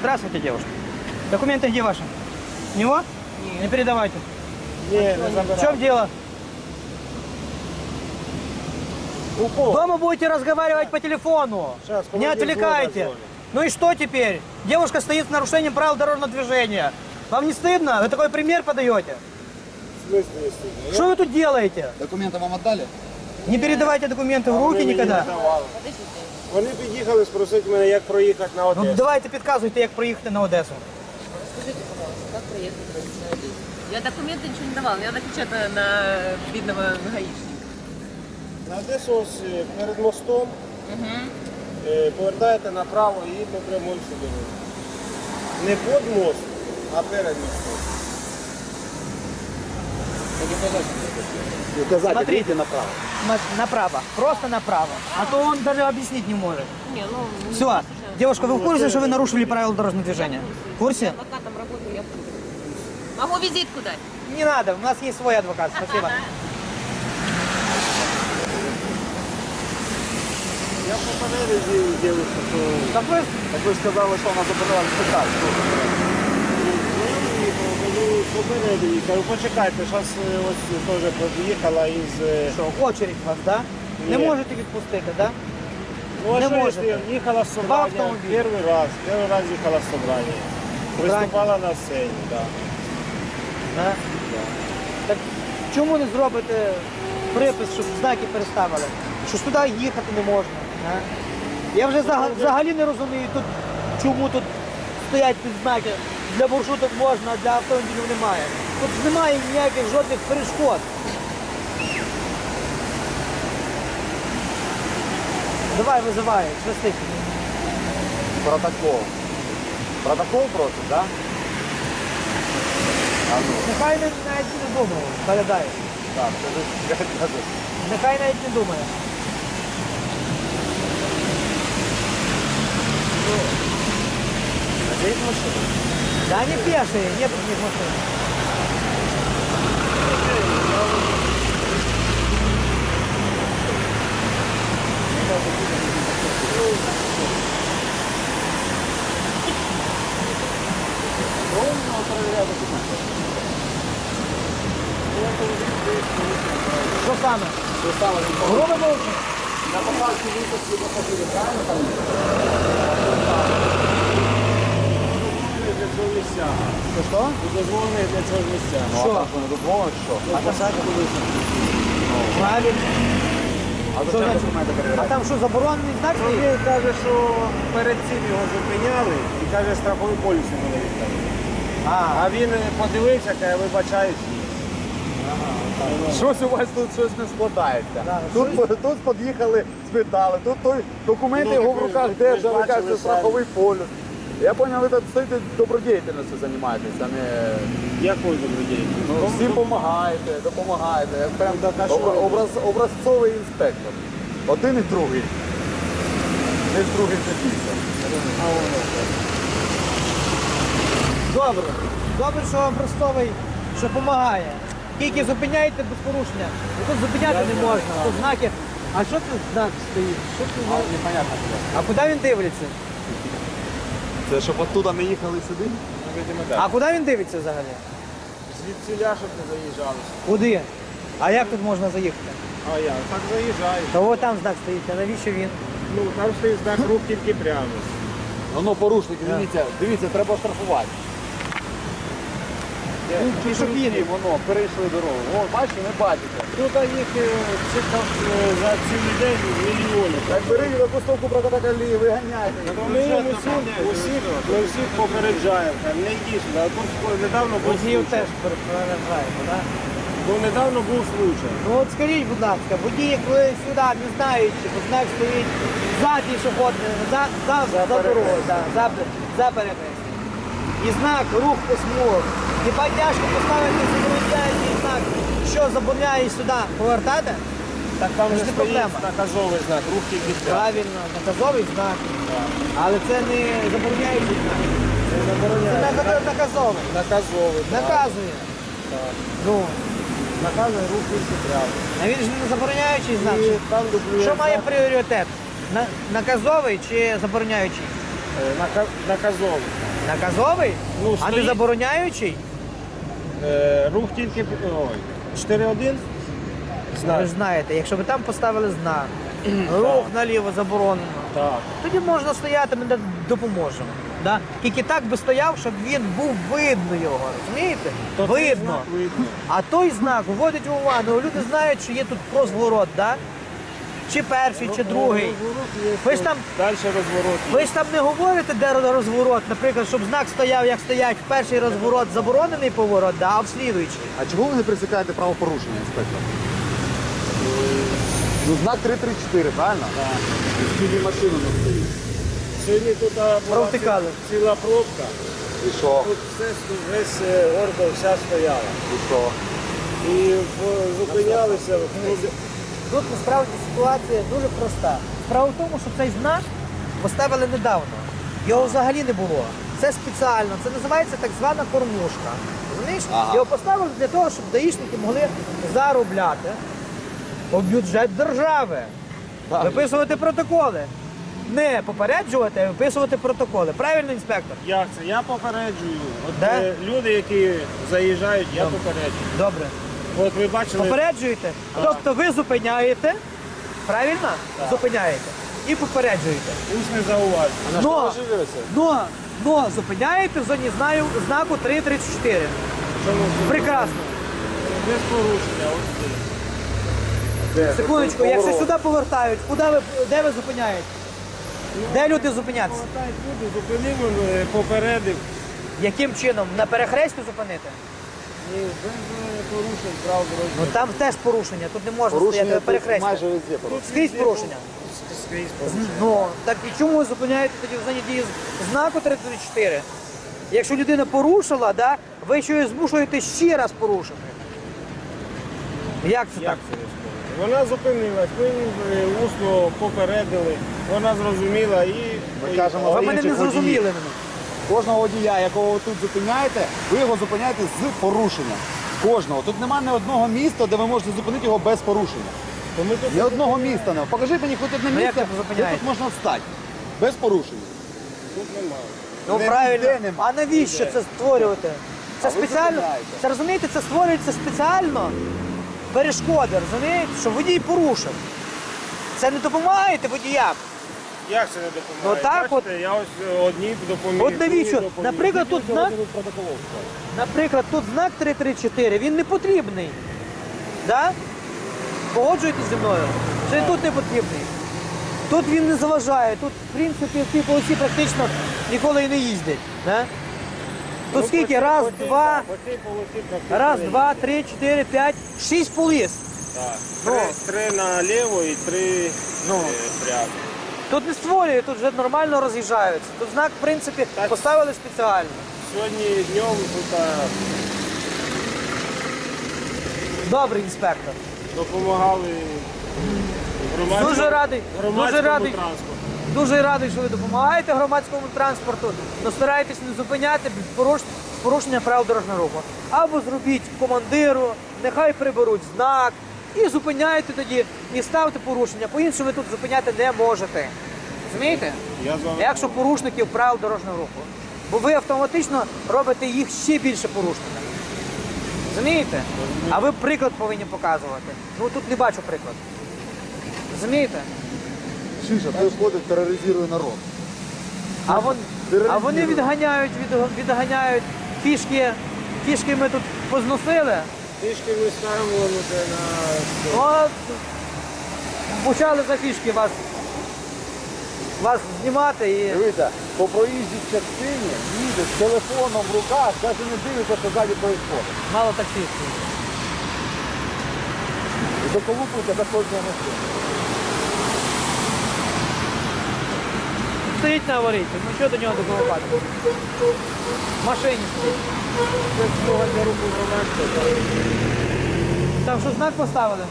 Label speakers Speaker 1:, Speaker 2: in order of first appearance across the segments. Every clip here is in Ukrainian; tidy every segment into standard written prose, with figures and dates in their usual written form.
Speaker 1: Здравствуйте, девушка. Документы где ваши? У него? Не передавайте.
Speaker 2: Не
Speaker 1: В чем дело? Дома будете разговаривать по телефону.
Speaker 2: Сейчас,
Speaker 1: Не отвлекайте. Ну и что теперь? Девушка стоит с нарушением правил дорожного движения. Вам не стыдно? Вы такой пример подаете?
Speaker 2: В смысле не стыдно?
Speaker 1: Что вы тут делаете?
Speaker 3: Документы вам отдали?
Speaker 1: Не передавайте документы в руки никогда.
Speaker 2: Вони під'їхали спросити мене, як проїхати на
Speaker 1: Ну
Speaker 2: Одесу.
Speaker 1: давайте підказуйте, як проїхати на Одесу.
Speaker 4: Скажите, пожалуйста, как проехать на Одессу? Я документы ничего не давала, я напечатала на видного гаишника.
Speaker 2: На Одесу ось перед мостом повертаєте направо і по прямій сюди. Не під мост, а перед мостом.
Speaker 1: Смотрите направо. Направо. Просто направо. А то он даже объяснить не может.
Speaker 4: Не, ну...
Speaker 1: Все. Девушка, вы в курсе, что вы нарушили правила дорожного движения? В курсе?
Speaker 4: Я адвокатом работаю, я в курсе. Могу визитку дать?
Speaker 1: Не надо, у нас есть свой адвокат. Спасибо.
Speaker 2: Я попередив дівчинку, що...
Speaker 3: Так ви сказали, що вона забирала спитати.
Speaker 2: Попередив її, кажу, почекайте, зараз ось теж під'їхала із...
Speaker 1: Що, очередь у вас, да? Не
Speaker 2: Ні.
Speaker 1: можете відпустити, да?
Speaker 2: Ну, а
Speaker 1: Не
Speaker 2: що,
Speaker 1: можете.
Speaker 2: якщо їхала з
Speaker 1: Два
Speaker 2: собрання,
Speaker 1: автомобілі.
Speaker 2: перший раз їхала з собрання. Приступала на сцені, так.
Speaker 1: Да? Так чому не зробите припис, щоб знаки переставили? Що ж туди їхати не можна. Да? Я вже взагалі не розумію, тут, чому тут стоять ці знаки. Для маршруток можна, а для автомобілів немає. Тут немає ніяких жодних перешкод. Давай, визивай, швидко.
Speaker 3: Протокол. Протокол просить, так? А ну,
Speaker 1: Нехай навіть не думає, передай.
Speaker 3: так, скажи.
Speaker 1: Нехай навіть не думає.
Speaker 3: Здесь машина?
Speaker 1: Да они пешие, нет у них машин. Что саме? Грубо мовчи?
Speaker 3: На поправці випуску пасажирів, правильно там?
Speaker 2: Для цього місця.
Speaker 1: Що?
Speaker 2: Дозволений для цього місця.
Speaker 3: Ну,
Speaker 1: Що?
Speaker 3: а так вони дозволять, що?
Speaker 2: А посадку висадку.
Speaker 1: Правильно.
Speaker 3: А
Speaker 1: Що
Speaker 3: зачем
Speaker 1: значить?
Speaker 3: документи
Speaker 1: А
Speaker 3: перевіряти?
Speaker 1: там що, заборонений знак стоїть?
Speaker 2: Він каже, що перед цим його зупиняли і каже, страховий поліс йому не віддали. А він подивився, каже, вибачаюсь.
Speaker 3: Щось у вас тут щось не складається.
Speaker 1: Да,
Speaker 3: Тут під'їхали, спитали, тут той документи
Speaker 2: Ну,
Speaker 3: його в
Speaker 2: так ви
Speaker 3: руках
Speaker 2: ж
Speaker 3: держали,
Speaker 2: бачили
Speaker 3: кажете,
Speaker 2: самі.
Speaker 3: страховий полюс. Я зрозумів, ви тут стоїте добродіяльністю займаєтесь, а не...
Speaker 2: Якою добродією?
Speaker 3: Ну, всім допомагаєте. Як прям
Speaker 2: так, а що?
Speaker 3: образцовий інспектор. Один і другий. Не з другим запісом.
Speaker 1: Добре. Добре, що образцовий, що допомагає. Тільки зупиняєте без порушення. Бо тут зупиняти не можна. Тут знаки. А що тут знак стоїть? Що це за...
Speaker 3: Непонятно.
Speaker 1: А куди він дивиться?
Speaker 3: Це щоб оттуда не їхали сюди?
Speaker 1: А куди він дивиться взагалі?
Speaker 2: Звідсіля, щоб не заїжджали.
Speaker 1: Куди? А як тут можна заїхати?
Speaker 2: А я так заїжджаю.
Speaker 1: Та от там знак стоїть, а навіщо він?
Speaker 2: Ну, там стоїть знак рух тільки прямо.
Speaker 3: Воно порушники, дивіться, треба штрафувати.
Speaker 1: Пішохідний.
Speaker 3: Воно, перейшли дорогу. О, бачите, не бачите.
Speaker 2: Тут їх за цілий день мільйони.
Speaker 3: Так бери випустовку протоколі, виганяйте.
Speaker 2: Ми їм усіх попереджаємо, не йди сюди. А тут недавно був
Speaker 1: Водіїв
Speaker 2: случай.
Speaker 1: теж переражаємо, так?
Speaker 2: Бо недавно був случай.
Speaker 1: Ну от скажіть, будь ласка, водії, коли сюди не знаючи, бо знак стоїть за пішохідним, за дорогою, за перехрестям. І знак рух по смугах. Хіба тяжко поставити забороняючий знак, що забороняє сюди повертати?
Speaker 2: Так там
Speaker 1: Це
Speaker 2: же
Speaker 1: ж не
Speaker 2: стоїть
Speaker 1: проблема.
Speaker 2: наказовий знак, рух тільки прямо.
Speaker 1: Правильно, наказовий знак. Але це не забороняючий знак.
Speaker 2: Це
Speaker 1: Це
Speaker 2: забороняє.
Speaker 1: наказовий.
Speaker 2: Наказовий. так.
Speaker 1: Наказує.
Speaker 2: Так.
Speaker 1: Ну,
Speaker 2: Наказує рух тільки прямо.
Speaker 1: а він ж не забороняючий знак.
Speaker 2: І там дублює
Speaker 1: Що має
Speaker 2: знак,
Speaker 1: пріоритет? Наказовий чи забороняючий?
Speaker 2: наказовий.
Speaker 1: Наказовий?
Speaker 2: Ну,
Speaker 1: А не
Speaker 2: стоїть.
Speaker 1: забороняючий?
Speaker 2: Рух тільки 4-1.
Speaker 1: Ви ж знаєте, якщо ви там поставили знак, рух наліво заборонено,
Speaker 2: Так.
Speaker 1: тоді можна стояти, ми допоможемо. Да? Тільки так би стояв, щоб він був видно його, розумієте?
Speaker 2: То цей
Speaker 1: Видно.
Speaker 2: знак видно.
Speaker 1: А той знак вводить в увагу. Люди знають, що є тут розворот, да? Чи перший, чи другий. Ви ж там,
Speaker 2: Далі розворот.
Speaker 1: ви ж там не говорите, де розворот, наприклад, щоб знак стояв, як стоять в перший розворот, заборонений поворот, да? А в слідуючий.
Speaker 3: А чого ви не присікаєте правопорушення, інспектор? Ну, знак 334, правильно? Так. Скільки машину не стоїть.
Speaker 2: Сьогодні тут була
Speaker 1: Провтикали.
Speaker 2: ціла пробка.
Speaker 3: І що?
Speaker 2: Тут весь гордо вся стояла.
Speaker 3: І що?
Speaker 2: І зупинялися.
Speaker 1: Тут насправді ситуація дуже проста. Справа в тому, що цей знак поставили недавно. Його взагалі не було. Це спеціально, це називається так звана кормушка. Розумієш?
Speaker 3: Ага.
Speaker 1: Його поставили для того, щоб даїшники могли заробляти у бюджет держави,
Speaker 3: Так.
Speaker 1: виписувати протоколи. Не попереджувати, а виписувати протоколи. Правильно, інспектор?
Speaker 2: Як це? Я попереджую. От
Speaker 1: Де?
Speaker 2: люди, які заїжджають, я попереджую.
Speaker 1: Добре.
Speaker 2: От ви бачили,
Speaker 1: Попереджуєте? Тобто ви зупиняєте, правильно? Зупиняєте. І попереджуєте.
Speaker 2: усне зауваження.
Speaker 1: Но зупиняєте в зоні знаку 334.
Speaker 2: Чому?
Speaker 1: Прекрасно.
Speaker 2: Без порушення. Ось тут.
Speaker 1: Секундочку, якщо сюди повертають, де ви зупиняєте? Де люди зупинятися?
Speaker 2: Повертають люди, зупинив, попередив.
Speaker 1: Яким чином? На перехресті зупинити?
Speaker 2: І без порушень прав
Speaker 1: Ну
Speaker 2: дорожнього.
Speaker 1: там теж порушення, тут не можна стояти
Speaker 3: Порушення
Speaker 1: на
Speaker 3: тут
Speaker 1: перехресті.
Speaker 3: майже везде порушення.
Speaker 1: Скрізь порушення.
Speaker 2: Скрізь порушення.
Speaker 1: Ну, так і чому ви зупиняєте тоді в зоні дії знаку 334? Якщо людина порушила, да, ви ще її змушуєте ще раз порушити. Як це
Speaker 2: Як
Speaker 1: так?
Speaker 2: це розповідати? Вона зупинилась, ми усно попередили, вона зрозуміла і
Speaker 3: Ми кажемо,
Speaker 1: Ви
Speaker 3: за
Speaker 1: мене не
Speaker 3: інших
Speaker 1: зрозуміли
Speaker 3: водіїв.
Speaker 1: мене.
Speaker 3: Кожного водія, якого ви тут зупиняєте, ви його зупиняєте з порушенням. Кожного. Тут немає ні одного міста, де ви можете зупинити його без порушення.
Speaker 2: то ми тут
Speaker 3: Ні одного міста немає. Покажіть мені хоч одне
Speaker 1: Ну, як
Speaker 3: місце,
Speaker 1: ви
Speaker 3: де
Speaker 1: зупиняєте?
Speaker 3: тут можна встати. Без порушення.
Speaker 2: немає.
Speaker 1: Ну
Speaker 3: Не
Speaker 1: правильно.
Speaker 3: ніде нема.
Speaker 1: А навіщо це створювати? Це
Speaker 3: А ви
Speaker 1: спеціально.
Speaker 3: зупиняєте.
Speaker 1: Це розумієте, це створюється спеціально перешкоди, розумієте, що водій порушив. Це не допомагаєте водіям.
Speaker 2: Як це не допомагає?
Speaker 1: Ну, так
Speaker 2: Бачите, я ось одні допоміг.
Speaker 1: От навіщо?
Speaker 2: другі допоміг.
Speaker 1: Наприклад, тут знак,
Speaker 3: Протоколов.
Speaker 1: наприклад, тут знак 334, він не потрібний. Да? Погоджуєтесь зі мною? Що він тут не потрібний. Тут він не заважає, тут, в принципі, в цій полосі практично ніколи і не їздять. Да? Тут
Speaker 2: Ну,
Speaker 1: скільки?
Speaker 2: по цій-
Speaker 1: Раз,
Speaker 2: по цій-
Speaker 1: два,
Speaker 2: так, по цій полосі практично
Speaker 1: раз,
Speaker 2: не
Speaker 1: два,
Speaker 2: їздять.
Speaker 1: 3, 4, 5, 6 поліс.
Speaker 2: Так.
Speaker 1: Ну.
Speaker 2: Три наліво і три
Speaker 1: Ну.
Speaker 2: прямо.
Speaker 1: Тут не створює, тут вже нормально роз'їжджаються. Тут знак, в принципі,
Speaker 2: Так.
Speaker 1: поставили спеціально.
Speaker 2: Сьогодні днем тут
Speaker 1: Добрий інспектор.
Speaker 2: допомагали громадському,
Speaker 1: Дуже радий,
Speaker 2: громадському
Speaker 1: дуже радий.
Speaker 2: транспорту.
Speaker 1: Дуже радий, що ви допомагаєте громадському транспорту, але старайтесь не зупиняти порушення правил дорожнього руху. Або зробіть командиру, нехай приберуть знак і зупиняйте тоді, і ставте порушення. По-іншому ви тут зупиняти не можете. Розумієте?
Speaker 2: Я з вами
Speaker 1: Якщо порушників правил дорожнього руху. Бо ви автоматично робите їх ще більше порушниками. Розумієте? А ви приклад повинні показувати. Ну тут не бачу приклад. Розумієте?
Speaker 3: Шиша, той ходить, тероризує народ.
Speaker 1: А вони відганяють фішки. Фішки ми тут позносили.
Speaker 2: Трішки ми ставимо на
Speaker 1: От почали за фішки вас знімати і.
Speaker 3: Дивіться, по проїжджій частині їде з телефоном в руках, навіть не дивиться, що ззаді відбувається.
Speaker 1: Мало таксистів.
Speaker 3: І доколупується до кожного машини.
Speaker 1: Стоїть на аварійці, ну що до нього доколупати? В машині стоїть.
Speaker 2: Це смуга для руху громадського.
Speaker 1: Там що знак поставили?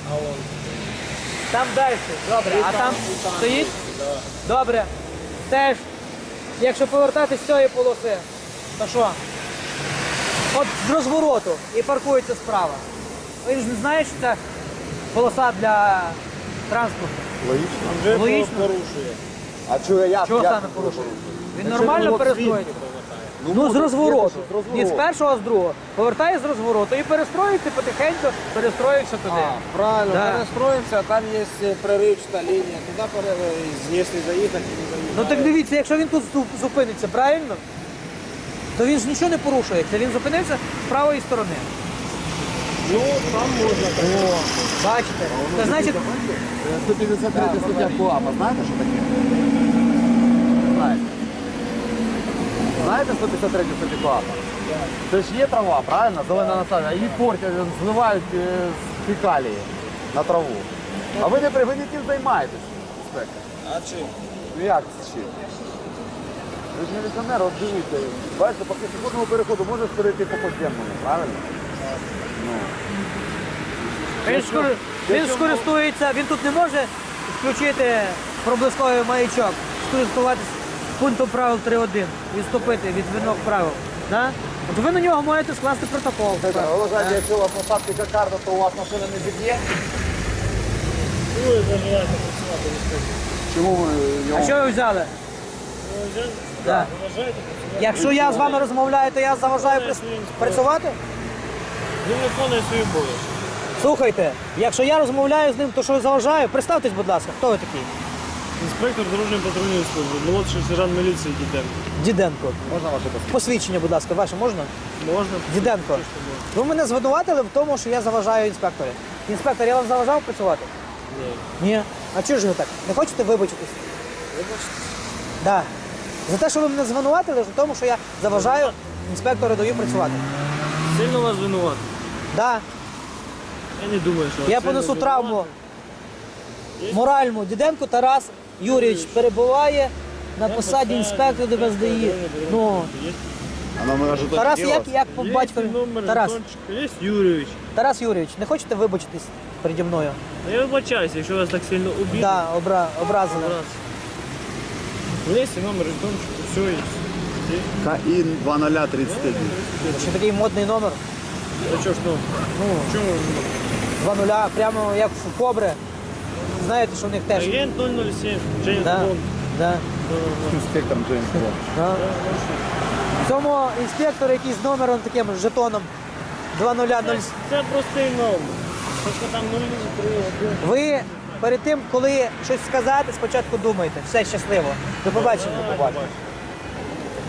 Speaker 1: Там далі. Добре. А там стоїть? Добре. Теж, якщо повертатись з цієї полоси, то що? От з розвороту і паркується справа. Ви ж не знаєте, що це полоса для транспорту.
Speaker 3: Логічно.
Speaker 2: Вже
Speaker 1: Логічно.
Speaker 2: порушує.
Speaker 3: А чого я?
Speaker 1: Чого
Speaker 3: як
Speaker 1: саме
Speaker 3: це
Speaker 1: порушує?
Speaker 3: порушує?
Speaker 1: Він нормально
Speaker 2: Якщо
Speaker 1: перестоїть.
Speaker 2: свідки повертають.
Speaker 1: Ну, з розвороту.
Speaker 3: З розвороту.
Speaker 1: Не з першого, а з другого. Повертає з розвороту і перестроїться потихеньку, перестроївся туди.
Speaker 2: Правильно,
Speaker 1: Да.
Speaker 2: перестроїмося, там є проривчата лінія, туди якщо заїхати, не заїхати.
Speaker 1: Ну так дивіться, якщо він тут зупиниться, правильно? То він ж нічого не порушує. Це він зупинився з правої сторони.
Speaker 2: Ну, там можна.
Speaker 1: О, бачите? Це значить,
Speaker 3: 153 стаття КУАПа, знаєте, що таке? Знаєте. Знаєте 153 стаття КУАПа? Це ж є трава, правильно? Зелена насадження. Її портять, зливають з фекалії на траву. А ви не тим займаєтесь, інспектор.
Speaker 2: А чим?
Speaker 3: Ну як це чим? Ви ж міліціонер, от дивіться. Бачите, по пішохідному переходу можеш перейти по подземному, правильно?
Speaker 1: він скористується, він тут не може включити проблисковий маячок, скористуватися пунктом правил 3.1, відступити від вимог правил. Да? От ви на нього можете скласти протокол.
Speaker 3: Ви вважаєте, якщо у вас посадки кокарда, то у вас машина не зіб'є? Чому ви
Speaker 1: А
Speaker 3: його...
Speaker 1: що ви взяли? Да. Якщо я з вами розмовляю, то я заважаю працювати?
Speaker 5: Він виконує свою обов'язки.
Speaker 1: Слухайте, якщо я розмовляю з ним, то що заважаю? Представтесь, будь ласка, хто ви такий?
Speaker 5: Інспектор дорожньої патрульної служби, молодший сержант міліції Діденко.
Speaker 1: Діденко.
Speaker 3: Можна ваше посвідчення?
Speaker 1: Посвідчення, будь ласка, ваше можна?
Speaker 5: Можна?
Speaker 1: Діденко. Ви мене звинуватили в тому, що я заважаю інспекторі. Інспектор, я вам заважав працювати?
Speaker 5: Ні.
Speaker 1: Ні. А чого ж ви так? Не хочете вибачитись?
Speaker 5: Вибачте.
Speaker 1: Да. За те, що ви мене звинуватили, в тому, що я заважаю інспектору даю працювати.
Speaker 5: Сильно вас винувати?
Speaker 1: Да.
Speaker 5: Я не думаю, що вас
Speaker 1: Я
Speaker 5: сильно
Speaker 1: понесу
Speaker 5: винувати.
Speaker 1: травму моральну. Діденко Тарас Юрійович перебуває на посаді інспектора ДБСДІ. Ну,
Speaker 3: А номер жетончик
Speaker 1: Тарас,
Speaker 3: є у вас?
Speaker 1: як по
Speaker 5: Є
Speaker 1: батькові?
Speaker 5: номер
Speaker 1: Тарас.
Speaker 5: жетончика, є Юрійович.
Speaker 1: Тарас Юрійович, не хочете вибачитись переді мною?
Speaker 5: Ну, я вибачаюся, якщо вас так сильно обідно.
Speaker 1: Да, образили.
Speaker 5: Є номер жетончика, все є.
Speaker 3: КІН 2031.
Speaker 1: Ще такий модний номер.
Speaker 5: А що ж ну? Чому?
Speaker 1: 2-0, прямо як в Кобри. Знаєте, що в них теж.
Speaker 5: Агент 007, Джеймс
Speaker 1: Да,
Speaker 5: Бонд.
Speaker 1: да,
Speaker 3: Інспектор Джеймс Бонд.
Speaker 1: да. В цьому інспектор якийсь з номером таким жетоном 2-0-0.
Speaker 5: Це простий номер. Тільки там 031.
Speaker 1: Ви перед тим, коли щось сказати, спочатку думайте. Все щасливо. До побачення.
Speaker 5: Давай, побачимо.